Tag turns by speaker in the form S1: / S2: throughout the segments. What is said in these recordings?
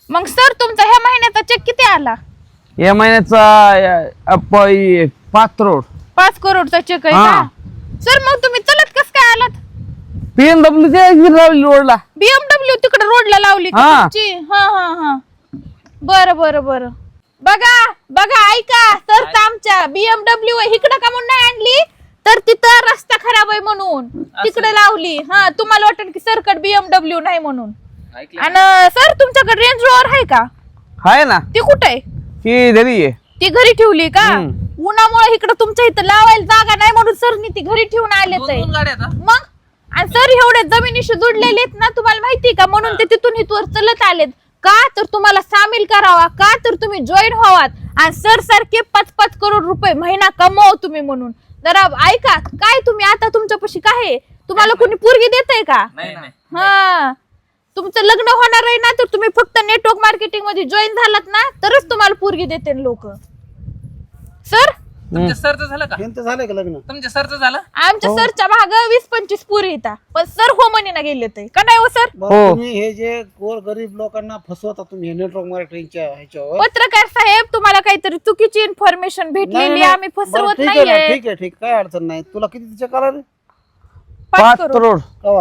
S1: मग सर तुमचा ह्या महिन्याचा चेक किती आला?
S2: या महिन्याचा 5 करोड.
S1: 5 करोडचा चेक आहे का? सर मग तुम्ही चलत कस काय आलात?
S2: BMW रोडला.
S1: BMW तिकडे रोडला लावली का तुमची? हा हा हा बर बर बर. बघा बघा ऐका, सर आमच्या BMW इकडं का म्हणून नाही आणली, तर तिथं रस्ता खराब आहे म्हणून तिकडे लावली. हा तुम्हाला वाटत की सरकट BMW नाही म्हणून. आणि सर तुमच्याकडे रेंज रोवर आहे का?
S2: आहे ना.
S1: ती कुठे आहे?
S2: ती घरी आहे.
S1: ती घरी ठेवली का? उन्हामुळे इकडे तुमच्या इथं लावायला जागा नाही म्हणून सरनी ती घरी ठेवून आलेच आहे. मग आणि सर एवढे जमिनीशी जुडलेले आहेत ना, तुम्हाला माहिती का? म्हणून ते तिथून इथवर चलत आलेत का? तर तुम्हाला सामील करावा का? तर तुम्ही जॉईन व्हावात आणि सर सारखे 5-5 करोड रुपये महिना कमव तुम्ही म्हणून. जरा ऐका, काय तुम्ही आता तुमच्यापाशी काय आहे? तुम्हाला कोणी पोरगी देतंय का? हा तुमचं लग्न होणार आहे ना, तर तुम्ही फक्त नेटवर्क मार्केटिंग मध्ये जॉईन झालात ना, तरच तुम्हाला पोरगी देते लोक. सर
S3: तुमच्या सरचं झालं का?
S4: यांचं झालंय का लग्न?
S3: तुमच्या सरचं झालं?
S1: आमच्या सरच्या भाग 20-25 पोरी येतात, पण सर हो म्हणे गेले ते का नाही हो सर?
S4: बरं, तुम्ही हे जे गोर गरीब लोकांना फसवता तुम्ही नेटवर्क मार्केटिंगच्या ह्याच्यावर.
S1: पत्रकार साहेब तुम्हाला काहीतरी चुकीची इन्फॉर्मेशन भेटलेली, आम्ही फसवत
S4: ठीक आहे
S1: नाहीये.
S4: ठीक आहे ठीक, काय अडचण नाही. तुला किती तिच्या करा रे?
S2: 5 करोड.
S4: कवा?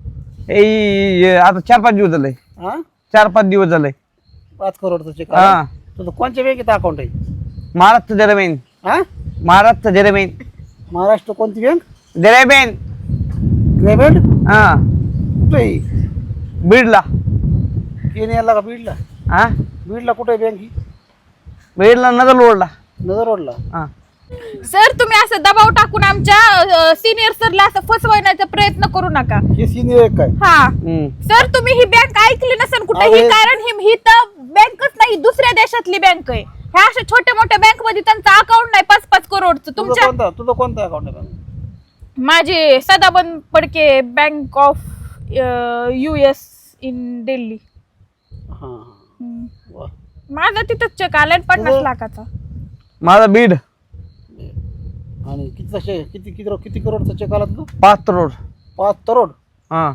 S2: आता 4-5 दिवस झाले.
S4: हा
S2: 4-5 दिवस झाले.
S4: 5 करोडचं चेक.
S2: हा.
S4: तुझं कोणत्या बँकेत अकाउंट आहे?
S2: महाराष्ट्र जरमेन.
S4: हा
S2: महाराष्ट्र जरमेन.
S4: महाराष्ट्र कोणती बँक?
S2: जरमेन.
S4: ग्रेबेड?
S2: हा
S4: कुठे आहे?
S2: बीडला.
S4: केनियाला का बीडला?
S2: हा
S4: बीडला कुठे आहे बँक ही?
S2: बीडला नगर रोडला.
S4: नगर रोडला.
S2: हा
S1: सर तुम्ही असं दबाव टाकून आमच्या सिनियर सरला असं फसवण्याचा प्रयत्न करू नका.
S4: हे सिनियर आहे काय?
S1: हा सर तुम्ही ही बँक ऐकली नसेल कुठेही,
S4: अरे.
S1: कारण ही तर बँकच नाही, दुसऱ्या देशातली बँक आहे. ह्या अशा छोट्या मोठ्या बँक मध्ये त्यांचं अकाउंट नाही 5-5 करोडचं. तुमच्या
S4: तुझं कोणतं अकाउंट आहे?
S1: माझे सदाबंद पडके bank of US in Delhi.
S4: हा वा.
S1: माझा तिथंच चेक आलाय 50 लाखाचा.
S2: माझा बीड.
S4: आणि किती करोडचा चेक आला तुझा?
S2: 5 करोड.
S4: 5 करोड.
S2: हा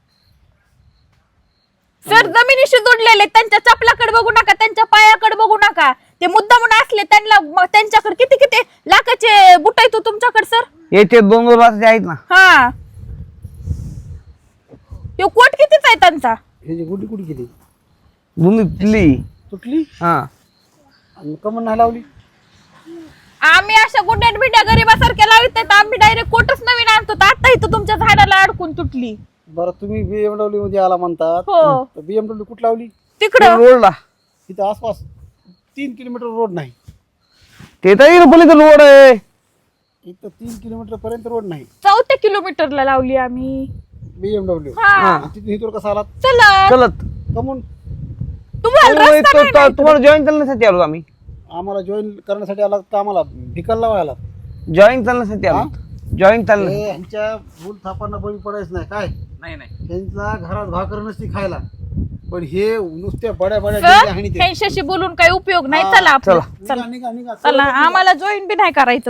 S1: सर जमिनीशी जोडलेले, त्यांच्या चपलाकडे बघू नका, त्यांच्या पायाकडे बघू नका. ते मुद्दा म्हणून असले त्यांना, त्यांच्याकडे किती किती लाखाचे बुट आहेत तुमच्याकडे सर?
S2: याचे 2 लाखाचे आहेत ना.
S1: हा तो कोट कितीच आहे त्यांचा?
S4: हे जे गुडी कुडी किती
S2: तुटली.
S4: तुटली?
S2: हा
S4: आणि कमन नाही लावली?
S1: आम्ही अशा गुड्यात बिड्या गरीबासारख्या लावित नाही, आम्ही डायरेक्ट कोटच नवीन आणतो. आता इथं तुमच्या झाडाला अडकून तुटली.
S4: बरं तुम्ही BMW मध्ये आला म्हणतात.
S1: हो.
S4: BMW कुठं लावली?
S1: तिकडं
S2: रोडला.
S4: तिथं आसपास 3 किलोमीटर रोड नाही.
S2: ते तर रोड आहे.
S4: इथं 3 किलोमीटर पर्यंत रोड नाही.
S1: 4 किलोमीटरला लावली आम्ही.
S4: BMW.
S1: हा
S4: तिथून इथून कसं आलात?
S1: चला
S2: चलत.
S4: कमून
S1: तुम्हाला रस्ता नाही माहिती.
S2: तुम्हाला जॉईन चालण्यासाठी आलो आम्ही.
S4: आम्हाला जॉईन करण्यासाठी आला का आम्हाला भिकल लावायला?
S2: जॉईन चालण्यासाठी आलो. जॉईन चालणं.
S4: ह्यांच्या भूल थापांना बळी पडायचं नाही काय?
S3: नाही
S4: त्यांचा घरात भाकर नसती खायला, पण हे नुसत्या बड्या
S1: सर
S4: बड्या
S1: ह्यांच्याशी बोलून काही उपयोग नाही. चला आपलं.
S4: निघा निघा निघा.
S1: चला आम्हाला जॉईन बी नाही करायचं.